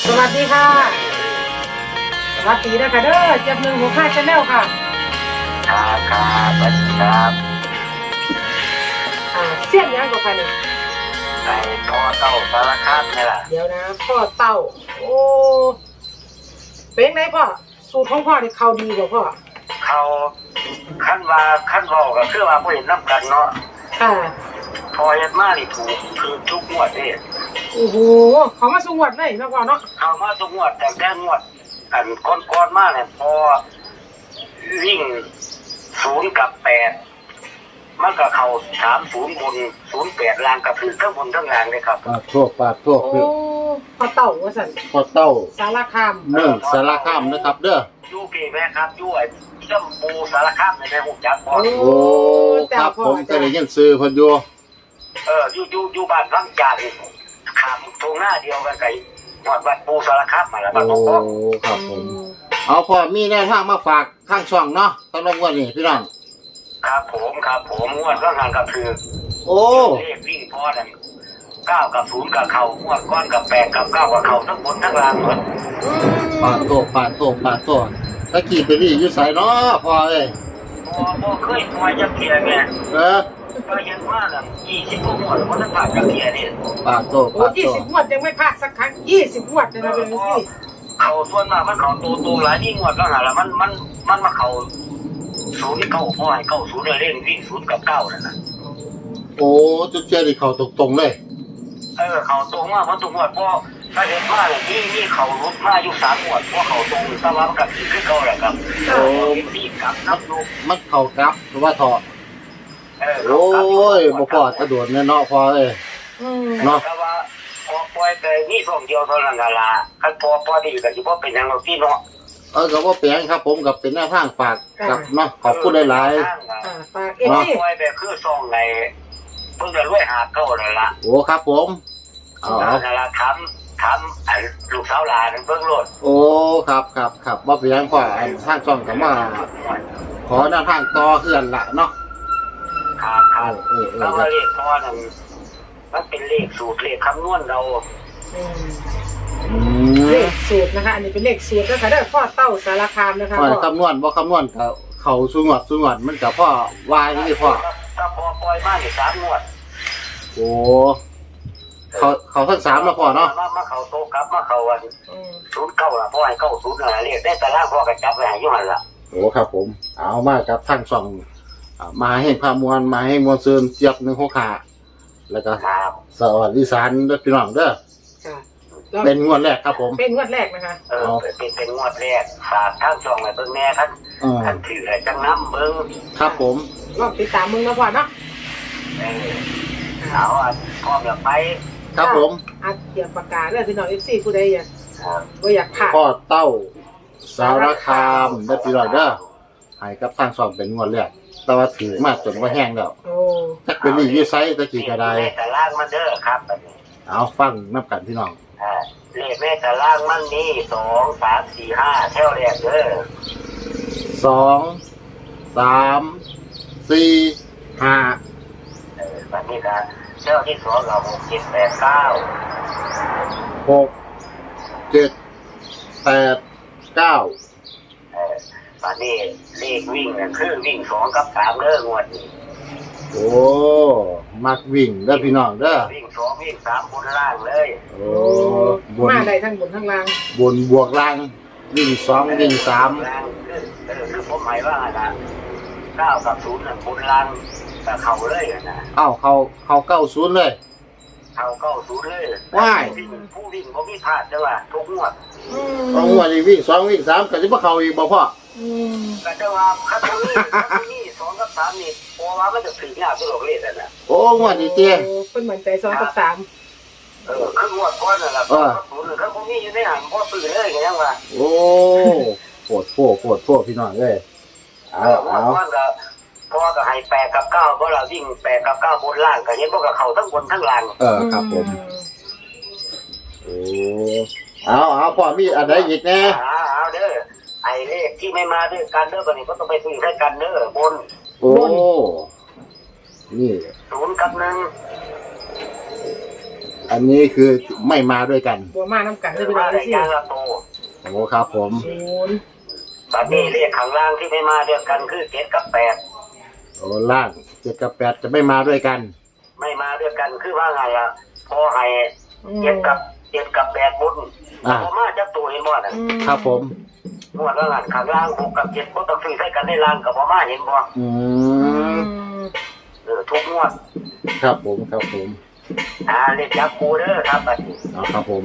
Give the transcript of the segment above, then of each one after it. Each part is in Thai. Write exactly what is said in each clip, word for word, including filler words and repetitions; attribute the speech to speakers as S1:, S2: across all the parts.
S1: สวัสดีค่ะสวัสดีนะคะเด้อเจ็บหนึ่งหัวข้าชาแนลค่ะ
S2: ครับครับสวัสดีครับ
S1: อ่าเสี้ยนยังกับใครเนี่ย
S2: ในพ่อเต้าสารคามนี่แหละ
S1: เดี๋ยวนะพ่อเต้าโอ้เป็นไงพ่อสูตรของพ่อเนี่ยเขาดีกว่าพ่อ
S2: เขาขั้นว่าขั้นบอกก็คือว่าผู้เห็นน้ำกันเนาะ
S1: ค่ะ
S2: พอเห็นมานี่ถูกคือทุกงวดนี่
S1: โอ้โหเขามาสูงวดเลยนะพ่อเนาะ
S2: เขามาทุกงวดแต่แค่งวดอันก้อนๆมากเนี่ยพอวิ่งศูนย์กับแปดมันก็เขาสามศูนย์บนศูนย์แปดล่างกับถือทั้งบนทั้งล่างเลยครับ
S3: ปาดทั่วปาดทั่ว
S1: โอ้พ่อเต้าว่าสัน
S3: พ่อเต้า
S1: สารคาม
S3: เมืองสารคามนะครับเด้อ
S2: ยูเกแม่ครับยูไอ้จำปูสารคามในแม่หูจักบ่
S3: โอ้ครับผมก็ได้ยินซื้อเพิ่นอยู่
S2: เออยูยูยูบ้านพังจานขามตรงหน้าเดียวกันไก่วัดวัดปูสารคามมาแล้วบ้านพ่อ
S3: โอ้ครับผมเอาพ่อมีแนวทางมาฝากข้างช่องเนาะสำหรับวันนี้พี่น้อง
S2: ครับผมครับผมงวดก็งานกับคือ
S3: โอ้
S2: เลขวิ่งพ่อนั่นเก้ากับศูนย์กับเข่างวดก้อนกับแปดกับเก้ากับเข่าทั้งบนทั้งล่างหมด
S3: ปาดโตปาดโตปาดโตตะกี้ไปนี่อยู่ไสเนาะพ่อเอ้ย
S2: พ่อพ่อเคยปล่อยจักเกียร์แม่
S3: เออ
S2: ก็ยังว่าน่ะยี่สิบกว่างวดมันจะผ่านจักเกียร์นี่
S3: ปาดโต
S1: โอ้ยี่สิบงวดยังไม่พลาดสักครั้งยี่สิบงวดเลยนะเป็นที่
S2: เขาส่วนมากมันเขาตัวตัวหลายที่งวดแล้วหาละมันมันมันมาเขาศูนย์เก้าพ่อให้เก้าศูนย์เล่นวิ่งศูนย์กับเก้านั่นนะ
S3: โอ้จุดเจนี่เขาตรงๆเลย
S2: เออเขาตรงมากเพราะตรงงวดเพราะถ้าเห็นว่าเนี่ยนี่นี่เขาลุกมาอยู่สามงวดเพราะเขาตรงสว่างกับที่ขึ้นเขาแหละครับโอ้ที่กับนับลูก
S3: มันเขากลับหรือว่าถอด
S2: เออ
S3: โอ้ยบ่พอจะโดดแน่เนาะพอเอ้ย
S2: เนาะแต่ว่าพอปล่อยไปนี่ส่งเดียวเท่านั้นล่ะคันพอพอดีก็สิบ่เป็นหยังหรอกพี่เนาะ
S3: เออก็บ่แปลงครับผมกับเป็นหน้าทางฝากกับเนาะขอบคุณหลาย
S1: ๆฝากเอ
S2: ฟซีปล่อยไปคือส่งในเพิ่งจะรวยหาเก้านั่นล่ะ
S3: โอ้ครับผม
S2: เอานั่นล่ะทำทำอันลูกสาวหลานเบิ่งโลด
S3: โอ้ครับครับครับบ่เป็นหยังพ่อทางช่องก็มาขอหน้าทางต่อเฮือนละเนาะ
S2: ครับครับแล้วก็เลขพอนั่นมันเป็นเลขสูตรเลขคำนวณเรา
S1: เลขสูตรนะคะอันนี้เป็นเลขสูตรนะคะได้พ่อเต้าสารคามนะคะ
S3: พ่อคำนวณบ่คำนวณกับเขาสูงวดสูงวดมันกับพ่อวายนี่พ่อ
S2: ถ้าพอปล่อยมาเนี่ยสามงวด
S3: โอ้เขาเขาทั้งสามแล้วพ่อเนาะ
S2: มามาเขาโตครับมาเขาวันศูนย์เก้าละพ่อให้เก้าศูนย์อะไรเรียกได้แต่ละพ่อกระจับไปหายุ่งอะไรละ
S3: โอ้ครับผมเอามากครับทั้งสองมาให้พามวลมาให้มวลเซินเจี๊ยบหนึ่งหัวขาแล้วก็สวัสดีสารเด้อพี่น้องเด้อเป็นงวดแรกครับผม
S1: เป็นงวดแรกนะคะ
S2: เออเป็นเป็นงวดแรกฝากท่านจองไว้เบิ่งแม่ท่านท่านถืออะไรจังน้ำเบิ่ง
S3: ครับผม
S1: ลองติดตามมึงนะพ่อเนาะ
S2: เออเอาอ่ะพร้อมอยากไป
S3: ครับผม
S1: อ่ะเขียนปากกาเลยพี่น้องเอฟซีผู้ใดอยากก็อยากผ่าน
S3: พ่อเต้าสารคามได้พี่น้องเด้อให้กับทางสองเป็นงวดแรกแต่ว่าถือมาจนว่าแห้งแล้วถ้าเป็นนี่ยูไซตะกี้ก็ได้
S2: แต่ล่างมันเด้อครับ
S3: เอาฟังนับกันพี่น้อง
S2: เลขแม่แต่ล่างมันนี่สองสามสี่ห้าแถวแรกเด้อ
S3: สองสามสี่ห้า
S2: เออวันนี้ก็แถวที่สองเราหกเจ็ดแปดเก้า
S3: หกเจ็ดแปดเก้า
S2: เออวันนี้เลขวิ่งเนี่ยคือวิ่งสองกับสามเด้องวดนี้
S3: โอ้มักวิ่งเด้อพี่น้องเด้อ
S2: วิ่งสองวิ่งสามบนล่างเลย
S3: โอ้
S1: มาได้ทั้งบนทั้งล่าง
S3: บนบวกล่างวิ่งสองวิ่งสาม
S2: เออคือผมหมายว่านะเก้ากับศูนย์บนล่างแต่เขาเลยนะ
S3: อ้าวเขาเขาเก้าศูนย์เลย
S2: เขาเก้าศูนย์เลย
S3: ว้าย
S2: ผู้วิ่งเขาไม่พลาดใช่ป่ะทุกงวด
S3: ทุกงวดนี่วิ่งสองวิ่งสามก็จะมาเขาอีกบ่พ่อ
S2: ก็จะว่าคัตนี้คัตนี้สองกับสามนี่พอว่ามันจะถึงยากตัวเลขนั่น
S3: โอ้งวดนี้เตี้ย
S1: เป็นเหมือนใจสองกับสาม
S2: เออคืองวดก้อนนั่นแหละศูนย์เขาคงมีอยู่ในหันพ่อตื่นเลยกันยังวะ
S3: โอ้ปวดพวกปวดพวกพี่น้องเลย
S2: เอาเอาเพราะว่าก็ให้แปดกับเก้าเพราะเราวิ่งแปดกับเก้าบนล่างก็เห็นพวกกับเขาทั้งบนทั้งล่าง
S3: เออครับผมโอ้เอาเอาพ่อมีอะไรอีกแน่
S2: เอาเด้อไอ้เลขที่ไม่มาด้วยกันเด้อบัดนี้ก็ต้องไปซื้อให้กันเด้อบน
S3: โอ้นี่
S2: ศูนย์กับหนึ่ง
S3: อันนี้คือไม่มาด้วยกัน
S1: บัวมาน้ำกัน
S2: คื
S1: ได้
S2: อ
S1: พี่น้
S2: มา
S1: อง
S2: ได้
S1: สิ
S2: ยางละโต
S3: โอ้ครับผม
S1: ศูนย์
S2: ตอนนี้เลขข้างล่างที่ไม่มาด้วยกันคือเจ็ดกับแปด
S3: โอ้ล่างเจ็ดกับแปดจะไม่มาด้วยกัน
S2: ไม่มาด้วยกันคือว่าไงอ่ะพอให้
S1: อืม
S2: เจ็ดกับเจ็ดกับแปดบุญ
S3: อ่า
S2: พอมาจะตัวเห็นบ่น่ะ
S1: อืม
S3: ครับผม
S2: งวดละหันข้างล่างหกกับเจ็ดก็ต้องซื้อใส่กันได้ล่างกับพอมาเห็นบ่
S3: อื
S1: อื
S3: ม
S1: ม
S2: เออทุกงวด
S3: ครับผมครับผม
S2: อ่าเลขจับปูเด้อครับบัดนี้
S3: เอาครับผม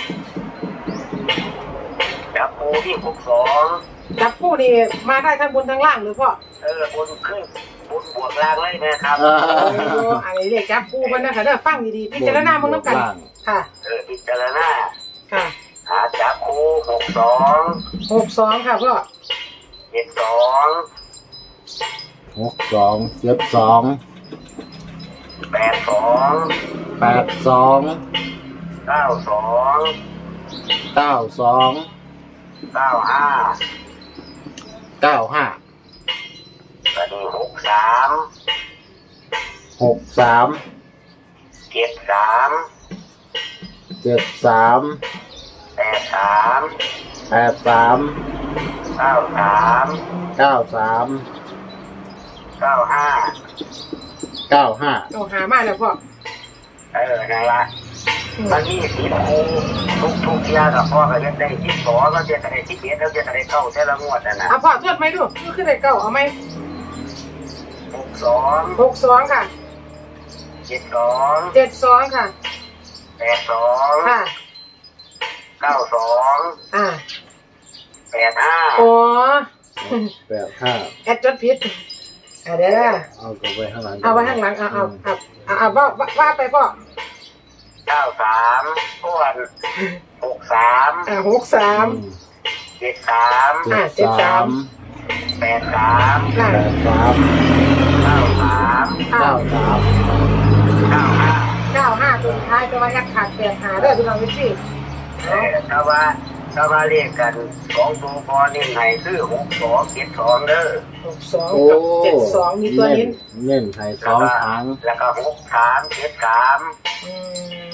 S2: จับปูที่หกสอง
S1: จับคู่นี่มาได้ทั้งบนทั้งล่างหรือพ่อ
S2: เออบนขึ้นบนบวกล่างเลยนะครับ
S3: อ่า
S1: โอ้อันนี้เรียกจับคู่มันนะคะเด้อฟังดีๆพิจารณามึงน้ำกัน
S3: ล่าง
S1: ค่ะ
S2: เออพิจารณา
S1: ค่ะ
S2: หาจับปูหกสอง
S1: หกสองค่ะพ่อ
S2: เจ็ดสอง
S3: หกสองเจ็ดสอง
S2: แปดสอง
S3: แปดสอง
S2: เก้าสอง
S3: เก้าสอง
S2: เก้าห้า
S3: เก้าห้า
S2: บัดนี้หกสาม
S3: หกสาม
S2: เจ็ดสาม
S3: เจ็ดสาม
S2: แปดสาม
S3: แปดสาม
S2: เก้าสาม
S3: เก้าสาม
S2: เก้าห้า
S3: เก้าห้า
S1: เอาหามาแล้วพ่อ
S2: เออนั่นละ
S1: อืม
S2: มันนี่สีคูทุกทุกๆอยางกับพ่อก็เล่นได้ที่สองแล้วเจะได้ที่เจ็ดแล้วเจะได้เข้าแต่ละงวดนั่นนะ
S1: เอาพ่อทวดไหมดูดูขึ้นได้เก้าเอาไหม
S2: หกสอง
S1: หกสองค่ะ
S2: เจ็ดสอง
S1: เจ็ดสองค่ะ
S2: แปดสอง
S1: ค่ะ
S2: เก้าสอง
S1: อ่า
S2: แปดห้า
S1: อ๋อ
S3: แปดห้า
S1: แอดจดผิดอ่าเดี๋ยวนะ
S3: เอากลับไว้ข้างหลัง
S1: เอาไว้ข้างหลังเอาเอาเอาเอาเอาว่าว่าว่าไปพ่อ
S2: เก้าสามส่วนหกสาม
S1: อ่าหกสาม
S3: อืม
S2: เจ็ดสาม
S3: เจ็ดสาม
S2: แปดสาม
S1: อ่า
S3: แปดสาม
S2: เก้าสาม
S1: เก้า
S3: เก้าสาม
S2: เก้าห้า
S1: เก้าห้าตัวสุดท้ายจะว่าแอดขาดแปดหาเด้อพี่น้องพี่ซี่
S2: เออถ้าว่าถ้าว่าเรียกกันสองตัวพอนี่ไหนคือหกสองเจ็ดสองเด้อ
S1: หกสองกับเจ็ดสองมีตัวนี้
S3: เน้นไทยสองครั้ง
S2: แล้วก็หกสามเจ็ดสาม
S1: อืม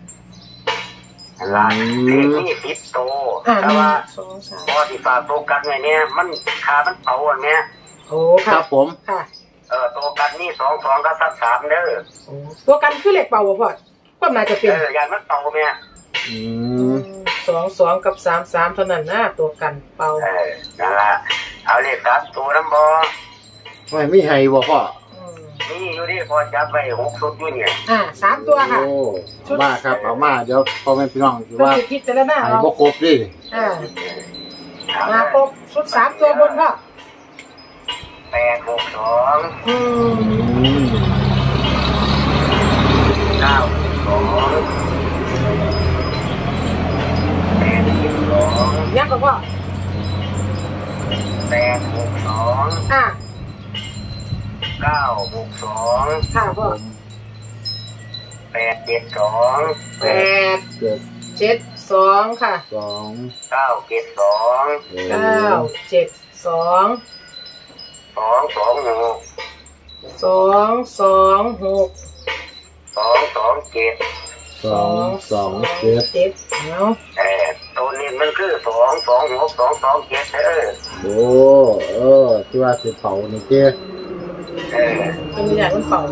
S2: ละเลขนี่สิบโต
S1: อ่า
S2: แต่
S1: หนึ่ง
S2: ว่า
S1: สองสาม
S2: พอที่ฝากโตกันไว้เนี่ยมันคามันเป่าอันเนี้ย
S1: โอ้
S3: ค
S1: ค่ะ
S3: รับผม
S1: ค่ะ
S2: เออโตกันนี่สองสองก็สักสามเด้อ
S1: โอ้ตัวกันคือเหล็กเป่าบ่พ่อก็น่าจะเป็น
S2: เอออย่างมันเป่าเนี่ย
S3: อืม
S1: สองสองกับสามสามเท่านั้นนะตัวกันเป่า
S2: เออนั่นละเอาเลขสามตัวน้ำบอ
S3: ไม่มีให้บ่พ่อ
S1: อืม
S2: นี่อยู่นี่พอจับไปหกสุดอยู่เนี่ย
S1: อ่าสามตัวค่ะ
S3: โอ้เอามาครับเอามาเดี๋ยวพ่อแม่พี่น้องคือ
S1: ก็
S3: ว่า
S1: คือพิจารณา
S3: ให้
S1: เอา
S3: บ่ครบดิ
S1: อ่ามาครบชุดสามตัวบนพ่อ
S2: แปดหกสอง
S1: อืม
S3: อืม
S2: เก้าสองแปดสิบสอง
S1: ยักษ์กับพ่อ
S2: แปดหกสอง
S1: อ่า
S2: เก้าหกสอง
S1: ค่ะพ่อ
S2: แปดเจ็ดสอง
S1: แปด
S3: เจ็ด
S1: เจ็ดสองค่ะ
S3: สอง
S2: เก้าเจ็ดสอง
S1: เก้าเจ็ดสอง
S2: สองสองหก
S1: สองสองหก
S2: สองสองเจ็ด
S3: สองสองเจ็ด
S1: เจ็ดเอา
S2: แต่ตัวนี้มันคือสองสองหกสองสองเจ็ดเออ
S3: โอ้เออที่ว่าสิเผานี่เจ้
S2: เออ
S1: เป็นอย่างมันเป่า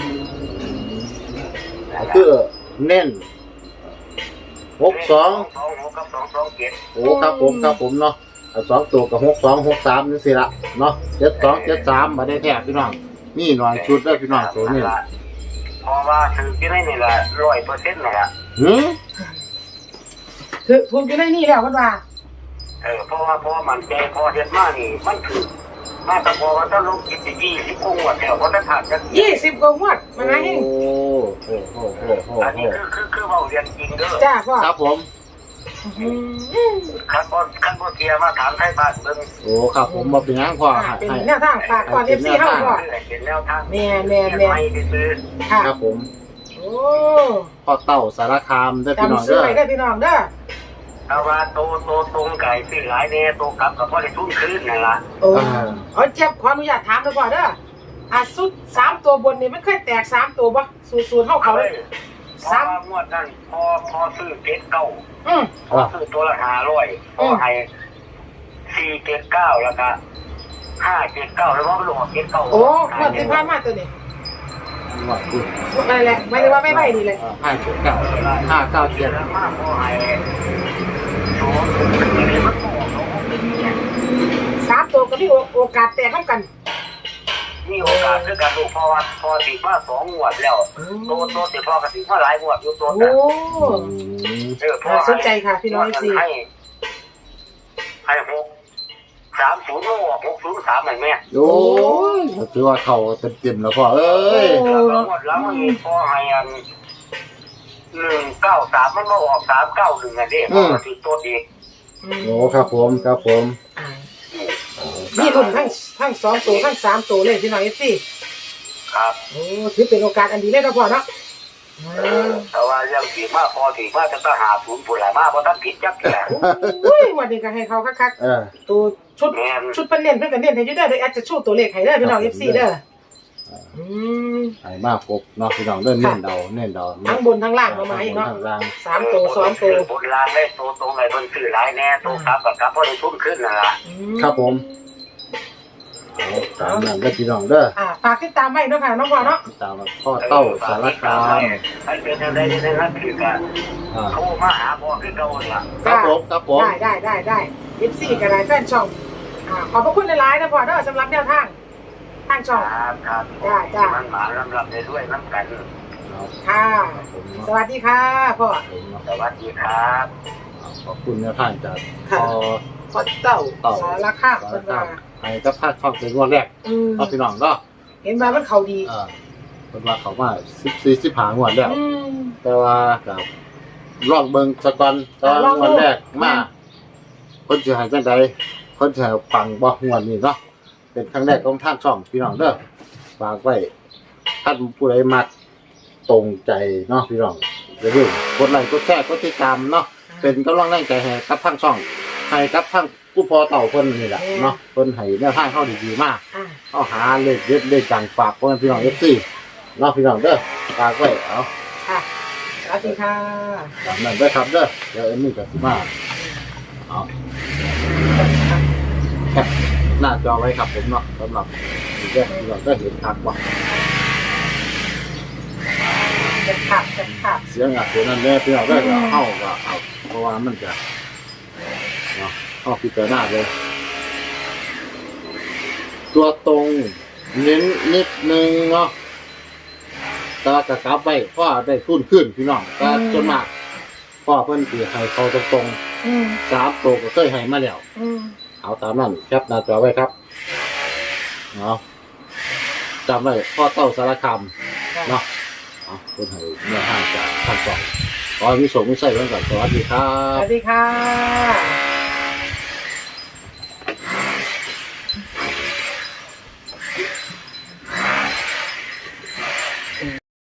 S3: คือเน้นหกสอง
S2: สองหกกับสองสองเจ็ด
S3: โอ้ครับผมครับผมเนาะเอาสองตัวกับหกสองหกสามนี่สิละเนาะเจ็ดสองเจ็ดสามมาได้แท้พี่น้องนี่หน่อยชุดได้อพี่น้องตัวนี้
S2: เพราะว่าถือที่ได้นี่แหละร้อยเปอร์เซ็นต์นี่แหละ
S3: หืม
S1: คือภูมิอยู่ในนี่แล้วเพิ่นว่า
S2: เออเพราะว่าเพราะว่ามันใจพอเห็นมานี่มันถือมาแต่พอว่าถ้าลงกิจยี่สิบกว่าแล้วเพราะถ้าขาดกัน
S1: ยี่สิบกว่างวดมันไง
S3: โอ้โหโอ้โหโอ้โห
S2: อัน
S3: โอ้
S2: นี้
S3: โห
S2: คือคือคือเราเรียนจริงเด้อ
S1: จ้าพ่อ
S3: ครับผม
S1: อืม
S2: ขั้นบนขั้นบนเทียมาถามไทยบ้านเบิ่ง
S3: โอ้ครับผมมาเป็นหยังพ่อ
S1: อ่า
S3: ให้
S1: เป็น
S3: ให้
S1: แนวทางฝากก่อนเอฟซีเฮาพ่อ
S2: เพื่อเห็นแนวทาง
S1: แม่แม่แม่
S2: ไม่ได้ซื้อ
S1: ค่ะ
S3: ครับผม
S1: โอ้
S3: พ่อเต้าสารคามได้อพี่น้อง
S1: จำซื้อ
S3: เด้อ
S1: ไว้ได้อพี่น้องเด้อ
S2: เอาว่าโตโตตรงไก่ซื้อหลายเนี่ยโตกลับกับพ่อได้ทุ่นคืนนั่นล่ะ
S1: โอ้เอาเจ็บขออนุญาตถามเด้อพ่อเด้ออ่ะสุดสามตัวบนนี่มันเคยแตกสามตัวบ่สูตรสูตรเฮาเขา
S2: เอา
S1: เล
S2: เลย ยเพราะว่างวดนั้นพอพอซื้อเจ็ดเก้า
S1: อืม
S2: พอซื้อตัวละห้าร้อยพอให้สี่เจ็ดเก้าแล้วก็ห้าเจ็ดเก้าแล้วก็ลงเจ็ดเก้า
S1: โอ้หมดที่ผ่านมาตัวนี้
S3: ว่าคือ
S1: อะไรแหละไม่ได้ว่าไม่ไหวนี่เลย
S3: ห้าเจ็ดเก้าห้าเก้าเจ็ด
S2: แล้วมากพอให้สองอะไรมันก็ออกสองเป็นเนี่ย
S1: สามตัวก็มีโอกาสแตกเท่ากัน
S2: มีโอกาสด้วยกันลูกเพราะว่าพอติดมาสองงวดแล้วโตโตติดพอกระติดมาหลายงวดอยู่ตัว
S1: โอ้
S2: แต่
S1: น่าสนใจค่ะพี่น้องสิ
S2: ให้ให้หกสามศูนย์โลหกศูนย์สามไหนแม่
S3: โอ้ยถือว่าเขาเต็มๆแล้วพ่อเอ้ย
S2: แล้วหมดแล้วมันมีพอให้อันหนึ่งเก้าสามมันมาออกสามเก้าหนึ่งอันนี้ปกติตัวเด็ก
S3: โอ้ครับผมครับผม
S1: นี่รุ่นทั้งทั้งสองตัวทั้งสามตัวเลยพี่น้องเอฟซี
S2: ครับ
S1: โอ้ถือเป็นโอกาสอันดีเลยนะพ่อเนาะ
S2: แต่ว่ายังถีมากพอถีมากจะต้องหาศูนย์ผลหลายมากเพราะท่านผิดจักแก่
S1: โอ้ยวันนี้ก็ให้เขาคัก
S3: เออ
S1: ๆตัวชุดชุดเป็นเน้นเพื่อนกันเน้นให้ยูเดอร์โดยแอดจะชูตัวเลขให้เด้อพี่น้องเอฟซีเด้ออืม
S3: หายมากครบเนาะพี่น้องเล่นเน้นเดาเน้นเดา
S1: ทั้งบนทั้งล่างมามาอีกเนาะ
S3: ทั้งล่าง
S1: สามตัวสองตัว
S2: บนลางได้ตัวตรงไหนบนสื่อหลายแน่ตัวครับกับครับเพราะได้ทุ่มขึ้นนะล่ะ
S3: ครับผมเอาตามนั้นได้พี่น้องเด้อ
S1: อ่าฝากติดตามไว้เนาะค่ะน้องพ่อเนาะ
S3: ตามพ่อเต้าสารคาม
S2: ให้เป็นอะไรในนั้นคือการ
S3: อ่า
S2: โทรมาหาพ่อคือเก่าล่ะ
S3: ครับผมครับผม
S1: ได้ได้ได้ได้เอฟซีก็ได้แฟนช่องอ่าขอบพระคุณหลายๆนะพ่อเด้อสำหรับแนวทางทางช่อง
S2: ครับครับ
S1: จ้าจ้า
S2: มันหมาลำลำได้ด้วยน้ำกัน
S3: เอา
S1: ค่ะ
S3: ผม
S1: สวัสดีค่ะพ่อ
S3: ผมเนาะ
S2: สวัสดีครับ
S3: ขอบคุณแนวทางจาก
S1: ค่ะ
S3: พ่อ
S1: พ่อเต่า
S3: เต่า
S1: สารคาม
S3: สา
S1: เพิ่
S3: ร
S1: น
S3: คา
S1: ว่าม
S3: ให้กับภาคช่องเป็นวันแรก
S1: อืม
S3: เนาะพี่น้องเนาะ
S1: เห็นว่ามันเขาดี
S3: เออเป็นว่าเขามาสิบสี่สิบห้างวดแล้ว
S1: อืม
S3: แต่ว่ากับลองเบิ่งสกอนตอน
S1: ลองดู
S3: วันแรกมาคนสิใหายจังใดคนสิใหายปังบ่งวดนี้เนาะเป็นครั้งแรกของทางช่องพี่น้องเด้อฝากไว้ท่านผู้ใดมักตรงใจเนาะพี่น้องอย่าลืมกดไลค์กดแชร์กดติดตามเนาะเป็นกำลังแรงใจให้กับทางช่องให้กับทางผู้พอเต่าเพิ่นนี่แหละเนาะเพิ่นให้แนวทางเข้าดีๆมาก
S1: อ่า
S3: เอาหาเลขเด็ดเลขดังฝากพ่อแม่พี่น้อง เอฟ ซี เนาะพี่น้องเด้อฝากไว้เอา
S1: ค่ะสวัสดีค่ะ
S3: ตามนั้นเด้อครับเด้อเดี๋ยวเอ็มมี่กับสิมาเอาแคปหน้าจอไว้ครับผมเนาะสำหรับนี่เด้อพี่น้องก็เห็นคักว่า
S1: จะขับจะขับ
S3: เสียงอ่ะเสียงนั้นแน่พี่น้องก็จะเข้าก็เอาเพราะว่ามันจะเนาะเข้าพิจารณาเลย ตัวตรงเน้นนิดนึงเนาะแต่ว่ากระกลับไปพ่อได้ทุนขึ้นพี่น้องก็จนมากพ่อเพิ่นตีให้เขาตรง
S1: อืม
S3: ๆสามตัวก็เคยให้มาแล้ว
S1: อืม
S3: เอาตามนั้นแคปหน้าจอไว้ครับเอาจำไว้พ่อเต้าสารคามเนาะเอาเพิ่นให้เนื้อห้างจากทางสองขอให้มีโชคมีชัยกันก่อนสวัสดีครั
S1: ส
S3: บ
S1: วัสดีค่ะ